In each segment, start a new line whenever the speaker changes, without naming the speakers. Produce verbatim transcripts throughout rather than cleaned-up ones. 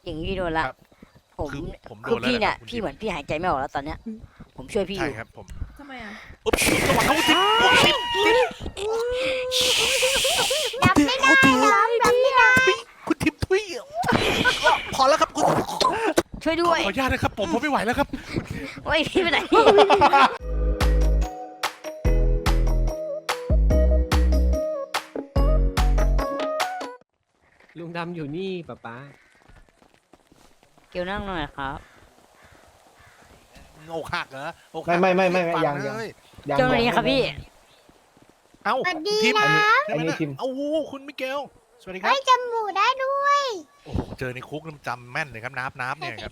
อย่างนี้โดนละ
ครับ
ผม
คือผมโด
คือน
แล้ว
พี่
นะ
เนี่ย
ครับคุณ
พี่
ทิพย์
เหมือนพี่หายใจไม่ออกแล้วตอนเนี้ยผมช่วยพี่อ
ใช่
ยู่
ครับผม
ทำไมอ่ะ
อุ๊บจังหวะเขาทิพย์โอ้ทิพย์ทิพย์
รับไม่ได้รับรับไม่ได้
คุณทิพย์ทุยพอแล้วครับคุณ
ช่วย
ข
ด้
อ
วย
อนุญาตนะครับผมผมไม่ไหวแล้วครับ
โอ้ยพี่ไปไหน
ลุงดำอยู่นี่ป๊าป๊า
เกียวนั่งหน่อยครับ
โอกหักเหรออกหั
ไม่
ก
ไม่ไม่ไม่ไม่
ฟั
ยัง
เล
ยัง
ย
ยัง
เจ้าหน้าที่ครับพี่
เอ้า
สวัสดี
ทิพย์
นะ
ใช่ไหม
อันนี้
นะ
ทิม
เอ้าคุณมิเกลสวัสดีครับ
ไม่จำหมูได้ด้วย
โอ้โหเจอในคุกน้ำจำแม่นเลยครับนับนับเนี่ยครับ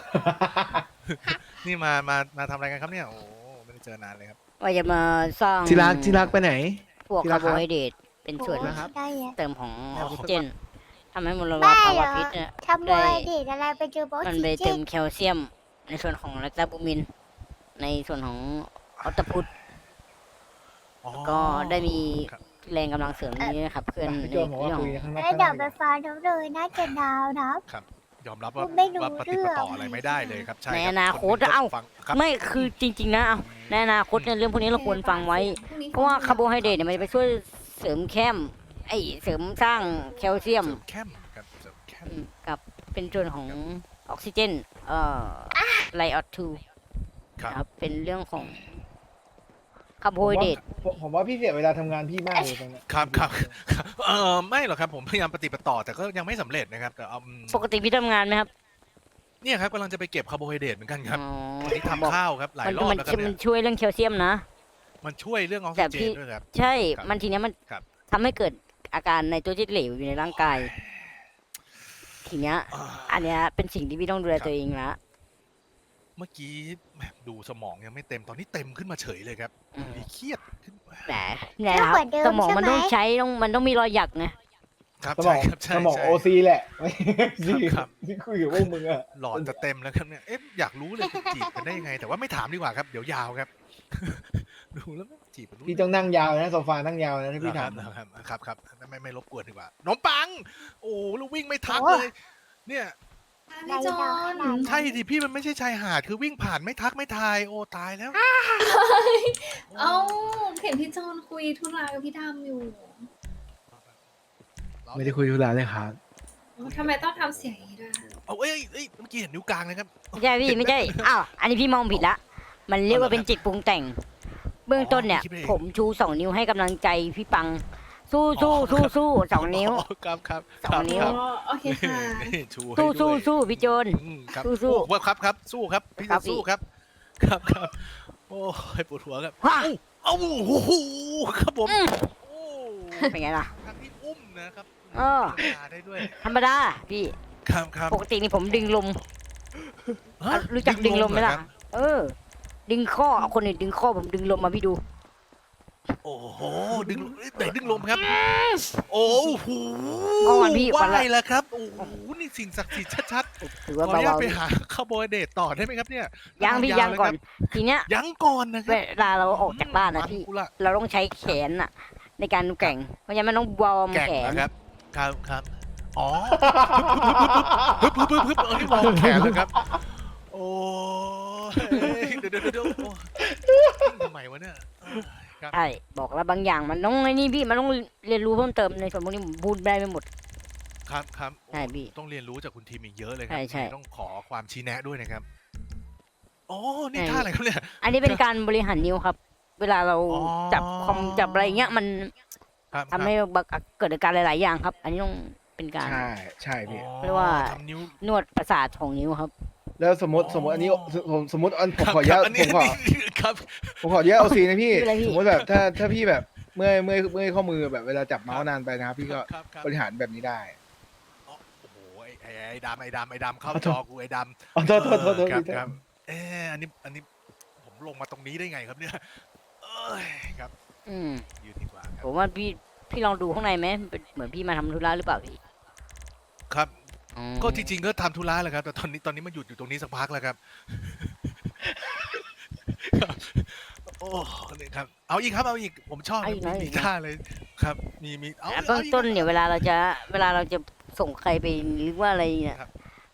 นี่มามามาทำอะไรกันครับเนี่ยโอ้โหไม่ได้เจอนานเลยครับ
ว่าจะมาสร้าง
ที่รักที่รักไปไหน
พวก
ที่
คา
รั
ร์
ก
โบ
ครับ
ไฮเดรตเป็นส่วน
โอ้ย
นะครับ
ได้อะ
เติมของอ
เอา
อก
เข้า
ซิ
ไป
เจนทำให้มล
บ้า
ภา
เหร
วะ
อ
พิษเนี่ย
ทำโมยเด็ดอะไรไปเจอโบอส
มัน
สี
ไป
เจ
เติ
น
มแคลเซียม ในส่วนของแลคตาบูมิน ในส่วนของออตพุต
อ๋อ
ก็ได้มี
ครับ
แรงกำลังเสริมนี้นะครับเพื่อน
พี่
ใน
โจบอกว่า
เรื่อง
คุยข้างนอก
แล้วเดี๋ยวไปฟังทั้งเลยน่าจะดาวนะ
ยอมรับว่า
ไม่รู้
ว่าปฏิปต่ออะไรไม่ได้เลยครับใช่
ใน
รับ
อนาคต
นหนึ่ง
เอ้า
ฟังครับ
ไม่คือจริง ๆ นะเอาในอนาคตเนี่ยเรื่องพวกนี้เราควรฟังไว้ เพราะว่าคาร์โบไฮเดรตเนี่ยมันจะไปช่วยเสริมแคมไอยเสริมสร้างแคลเซียม
เสริมแคมครับเสริมแคม
อืมกับเป็นส่วนของออกซิเจนเอ่อไลออดทู
ครับ
ครับเป็นเรื่องของคาร์โบไฮเดรต
ผมผมว่าพี่เสียเวลาทำงานพี่มากเลยตรงเนี้ย
ครับครับครับเออไม่หรอกครับผมพยายามปฏิปต่อแต่ก็ยังไม่สำเร็จนะครับแต่เอาอืม
ปกติพี่ทำงานไหมครับ
เนี่ยครับกำลังจะไปเก็บคาร์โบไฮเดรตเหมือนกันครับ
อ๋อ
วันนี้
บอก
ทำข้าวครับหลาย
มัน
รอบ
มัน
แล้วครับ
มั
เนี่
น
ย
ช่วยเรื่องแคลเซียมนะ
มันช่วยเรื่องออก
แต่
ซิเจ
พี่
นด้วยครับ
ใช่
ครับ
มันทีเนี้ยมัน
ครับ
ทำให้เกิดอาการในตัวที่เหลวอยู่ในร่างกาย ทีเนี้ย
อ่า
อันเนี้ยเป็นสิ่งที่พี่ต้องดูแล
ครับ
ตัวเองละ
เมื่อกี้แหมดูสมองยังไม่เต็มตอนนี้เต็มขึ้นมาเฉยเลยครับ
อืม
มีเครียดขึ้น
แต่เนี่ยนะครับสมองมันต้องใช้ต้องมันต้องมีรอยหยักไง
ครับ
สม
ใช่
อง
ครับใช่
สมอง
ใช่
โอซีแหละไม่ซี
ครับ
ที่คุยกับพวกมึงอะ
หลอดจะเต็มแล้วครับเนี่ย เอ๊ะอยากรู้เลยคุณจีบกันได้ยังไง แต่ว่าไม่ถามดีกว่าครับ เดี๋ยวยาวครับ ดูแล้วไม่จีบกันรู้
พี่ต้องนั่งยาวนะโซฟานั่งยาวนะถ้าพี่
ค
ถา
รั
ม
บครับครับครับไม่ไม่รบกวนดีกว่าขนมปัง โอ้แล้ววิ่งไม่ทัก
โอ้
เลย เนี่ย
พี่จอน
ใช่ดิพี่มันไม่ใช่ชายหาดคือวิ่งผ่านไม่ทักไม่ทาย โอ้ตายแล้ว
เอ้าเห็นพี่จอนคุยธุระกับพี่ดำอยู่
ไม่ได้คุยธุระเลยครับ
ทำไมต้องทำเสียงอย่างนี้ด้วย
เอาเอ้ยเอ้ยเมื่อกี้เห็นนิ้วกลางเลยครับ
ไม่ใช่พี่ไม่ใช่ อ้าว อันนี้พี่มองผิดละ มันเรียกว่าเป็นจิตปรุงแต่ง เบื้องต้นเนี่ย
คิดไปเอง
ผมชูสองนิ้วให้กำลังใจพี่ปัง สู้สู้สู้สู้สองนิ้ว
อ๋อครับครับ
สองนิ้ว
ครับ
อ๋อโอเคค่ะ
นี่ชูให้
สู้สู้
ด้วย
สู้พี่โจน
อืมครับ
สู้สู้
โอ้ครับครับสู้ครับพี่
ครั
จะ
บ
สู้
พี่
ครับ ครับครับโอ้ยปวดหัวครับ
ว้า
เอ้าโอ้โหครับผม
อืม
โอ้
เป็นไงล่ะ
ทางที่อุ้มนะครับ
เออ
ธรรมดาได้ด้วย
ธรรมดาพี่
ครับครับ
ปกตินี่ผมดึงลม
ฮะ
รู้จักดึงลมไหมล่ะ
เรอครับ
เออ ดึงข้อเอาคนอื่นดึงข้อผมดึงลมมาพี่ดู
โอ้โหดึงไหนดึงลมครับ โอ้โห
เมื่อวานพี่วันละ
ไหวแล้วครับโอ้โหนี่สิ่งศักดิ์สิทธิ์ชัด
ถือ
ๆขอ
ว่า
อนุญาต
เบา
ไปหาคาร์โบไฮเดรตต่อได้ไหมครับเนี่ย
ๆยังพี่
ว
ยัง
เล
ก่อน
ครับ
ทีเนี้ย
ยังก่อนนะค
เว
รับ
ลาเราออกจากบ้านนะพี่
มักุละ
เราต้องใช้แขนน่ะ ในการแกว่ง เพราะฉะนั้นมันต้องวอร์ม
แก่ง
แขน
นะครับ ครับครับ อ๋อฮึบฮึบฮึบฮึบฮึบฮึบฮึบเออนี่มองแขนเลยครับ โอ้ยเดี๋ยวเดี๋ยวเดี๋ยวโอ้ยทำไมวะเนี่ยเออครับ
ใช่ บอกแล้วบางอย่างมันต้องไอ้นี่พี่ มันต้องเรียนรู้เพิ่มเติมในส่วนพวกนี้ผมพูดได้ไม่หมด
ครับครับโอ้
ใช่พี่
ต้องเรียนรู้จากคุณทีมอีกเยอะเลยครั
ใช่ใช่
ต้องขอความชี้แนะด้วยนะครับโอ้นี่
ใช่
ท่าอะไรครับเนี่ย
อันนี้เป็นการบริหารนิ้วครับ เวลาเรา
อ๋อ
จับคอมจับอะไรเงี้ยมัน
ครับ
ทำให้เกิดอาการหลาย ๆ อย่างครับ อันนี้ต้องเป็นการ
ใช่ใช่พี่
อ๋อ
เรียกว่า
ทำนิ้ว
นวดประสาทของนิ้วครับ
แล้วสมมติสมมติอันนี้ผมสมมติอันผม
ครับ
ขออนุญาต
ครับอัน
ผ
นี้
มขอ
ครับ
ผมขออนุญาตเอาซีนะพี่
ไม่เป็นไรพี่
สมมติแบบถ้าถ้าพี่แบบเมื่อยเมื่อยเมื่อยข้อมือแบบเวลาจับเมาส์นานไปนะครับพี่ก็
ครับครับ
บริหารแบบนี้ได้
อ๋อโอ้โหไอ้ไอ้ไอ้ดำไอ้ดำไอ้ดำเข้า
ขอโท
จ
ษ
อกูไอ้ดำ
อ๋อโทษโทษโทษโทษ
ครับ
พี่
ครับเอออันนี้อันนี้ผมลงมาตรงนี้ได้ไงครับเนี่ยเอ้ยครับ
อืม
ยืนดีกว่าค
ผ
รับ
มว่าพี่พี่ลองดูข้างในไหมเป็นเหมือนพี่มาทำธุระหรือเปล่าพี่
ครับ
อ๋อ
ก็จริงๆก็ทำธุระแหละครับแต่ตอนนี้ตอนนี้มาหยุดอยู่ตรงนี้สักพักแล้วครับ ครับโอ้นี่ครับเอาอีกครับเอาอีกผมชอบ
เอาอีกนะ
มีท่าเลยครับ มีมีเอา
อ่ะ
อีก
เบื้อง
อาอีก
ต้นเนี่ยเวลาเราจะเวลาเราจะส่งใครไปหรือว่าอะไรเนี่ย
ครับ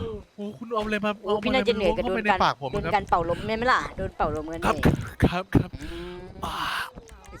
โอ้คุณเอาอะไรมา
โอ้พี่น่าจะเหนื่อยกับ
เข้า
โด
ไป
น
ใน
การ
ปากผม
โดน
ค
กา
รับ
รเป่าลมใช่ไหมล่ะโดนเป่าลมกัน
ครับ
เนี่ย
ครับครับ
อืม
อ่า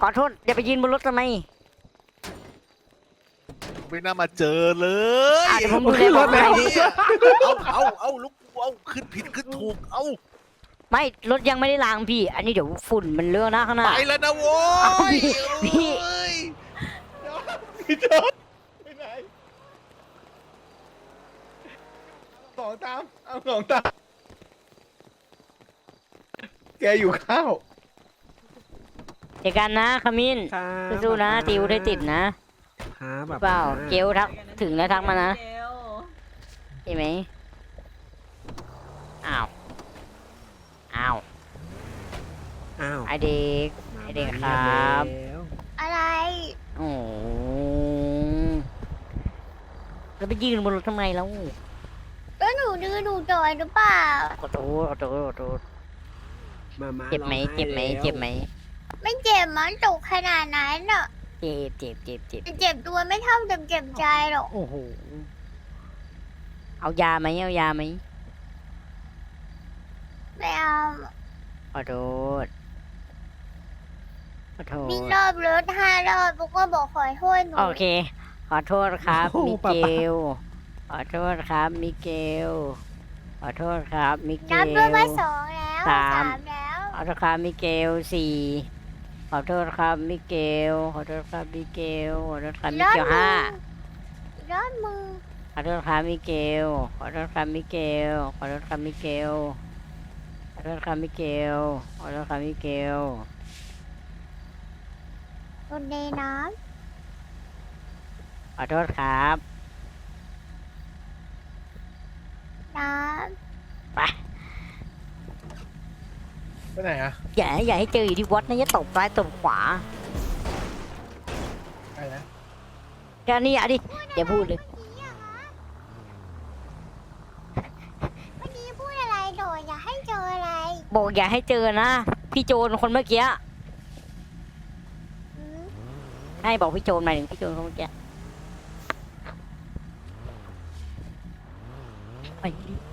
ขอโทษอย่าไปยืนบนรถทำไม
ไม่น่ามาเจอเลย
อ่ะเดี๋ยวผมดูแลความปลอดภัยพี่
เอาเอาเอาลูกเอาขึ้นผิดขึ้นถูกเอา
ไม่รถยังไม่ได้ล้างพี่ อันนี้เดี๋ยวฝุ่นมันเลอะหน้าข้างหน้า
ไปแล้วนะโว้
เอา
ย
พี่พี่
เอ้ย
พี่โจนไปไหนสองตามเอาสองตามแกอยู่ข้าว
เจอกันนะขมิ้น
ครับ
สู้ๆนะติวได้ติดนะ
ครับแบบ
เปล่าเกลทักถึงแล้วทักมานะเห็นไหมอ้าวอ้าว
อ้าว
ไอเด็ก ไอ้เด็กครับ
แล้ว
อะไร
โอ้โหแล้วไปยืนบนรถทำไมแล้ว
แล้วหนูดื้อหนูจอยหรือเปล่า
ขอโทษขอโทษขอโทษ
มามา
เจ็บไหม
ร้อง
เจ็บไหม
แล้ว
เจ็บไหม
ไม่เจ็บมันตกขนาดนั้นหรอก
เจ็บเจ็บเจ็บเจ็บ
แต่เจ็บตัวไม่เท่าเจ็บเจ็บใจหรอก
โอ้โหเอายาไหมเอายาไหม
ไม่เอา
ขอโทษขอโท
วิ่ง
ษ
รอบรถห้ารอบปุ๊กก็บอกขอโทษหนู
โอเค ขอโทษครับ
โอ้โห
มิ
ป๊า
เก
ป๊า
ล ขอโทษครับ มิเกล ขอโทษครับ มิเก
นับ
ล
ด้วยว่าสองแล้ว
สาม
สามแล้ว
ขอโทษครับ มิเกลสี่ ขอโทษครับ มิเกล ขอโทษครับ มิเกล ขอโทษครับ มิเกลห้า
รอดมือ
ขอโทษครับ มิเกล ขอโทษครับ มิเกล ขอโทษครับ มิเกล ขอโทษครับ มิเกล ขอโทษครับ มิเกล
คนในน้
ขอโทษครับ
ำน้
ไป
ไปไหนอะ
อย่าอย่าให้เจออยู่ที่วัดนะอย่าตบซ้ายตบขวา
ไปนะ
แค่นี้อ่ะดิอย่าพูดเลย
ำเมื่อกี้พูดอะไรโดดอย่าให้เจออะไร
บอกอย่าให้เจอนะ พี่โจรคนเมื่อกี้
อืม
ให้บอกพี่โจรหมายถึงพี่โจรคนเมื่อกี้ไปดิ